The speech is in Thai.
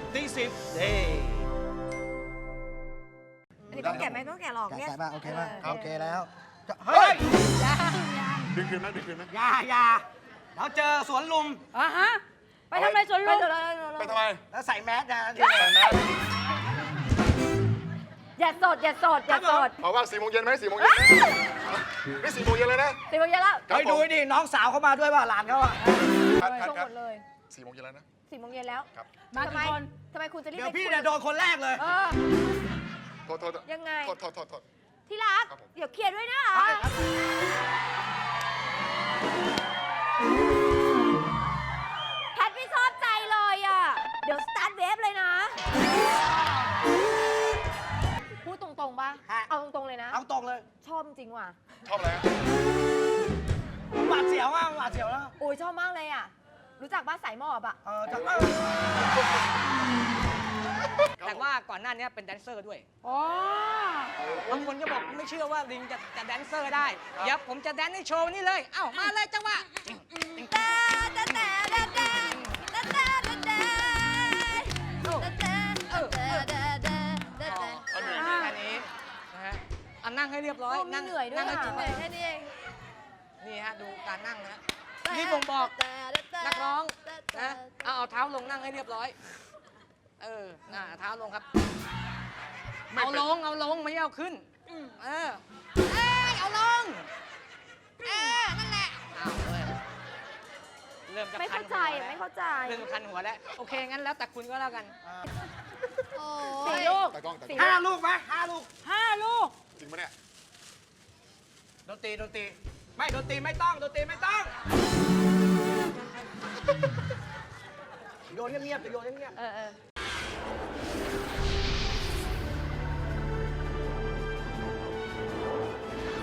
ตีสิบอันนี้ต้องแกะไหมต้องแกะหรอกเนี่ยแกะบ้างโอเคบ้างโอเคแล้วเฮ้ยดึงคืนนะดึงคืนนะอย่าเราเจอสวนลุมฮะ ไปทำอะไรสวนลุมไปทำไมแล้วใส่แมสนะอย่าสดอย่าสดอย่าสดบอกว่า4 โมงเย็นไหม4 โมงเย็นไหมนี่4 โมงเย็นเลยนะ 4 โมงเย็นแล้วเฮ้ยดูดิน้องสาวเขามาด้วยป่ะหลานเขาอ่ะคัดชงหมดเลย 4 โมงเย็นแล้วนะ 4 โมงเย็นแล้วครับมาทำกี่ไมคนทำไมคุณจะรีบเดี๋ยวไปพี่คุยเนี่ยโดนคนแรกเลยโทษยังไงโทษที่รักครับผมเดี๋ยวเคลียร์ด้วยนะแพทไม่ชอบใจเลยอ่ะ เดี๋ยวสตาร์ทเวฟเลยนะ พูดตรงๆป่ะฮะเอาตรงๆเลยนะเอาตรงเลยชอบจริงว่ะชอบอะไรฮะหวาดเสียวอ่ะหวาดเสียวแล้วโอ้ยชอบมากเลยอ่ะ รู้จักบ้านสายหมอบอ่ะจะแต่ว่าก่อนหน้านี้เป็นแดนเซอร์ด้วยอ๋อบางคนก็บอกไม่เชื่อว่าลิงจะแดนเซอร์ได้ เดี๋ยวผมจะแดนในโชว์นี้เลย เอ้ามาเลยจังหวะเอาหนึ่งแค่นี้นะฮะเอานั่งให้เรียบร้อยโอ้มีเหนื่อยด้วยนั่งให้อ่ะจุดเหนื่อยแค่นี้เองนี่ฮะดูการนั่งนะฮะ นี่บ่งบอกนักร้องนะเอาเท้าลงนั่งให้เรียบร้อย เท้าลงครับ เอาลงไม่เอาขึ้นเอาลงนั่นแหละเอาเลยเริ่มจะไม่คัเข้าน ใจหัวแล้วไม่เข้าใจเริ่มคันหัวแล้วโอเคงั้นแล้วแต่คุณก็แล้วกัน 4 ลูกตากล้อง 5 ลูกไหม5 ลูก 5 ลูกจริงปะเนี่ยดนตรีไม่ดนตรีไม่ต้องโยนเงียบๆจะโยนเงียบเออ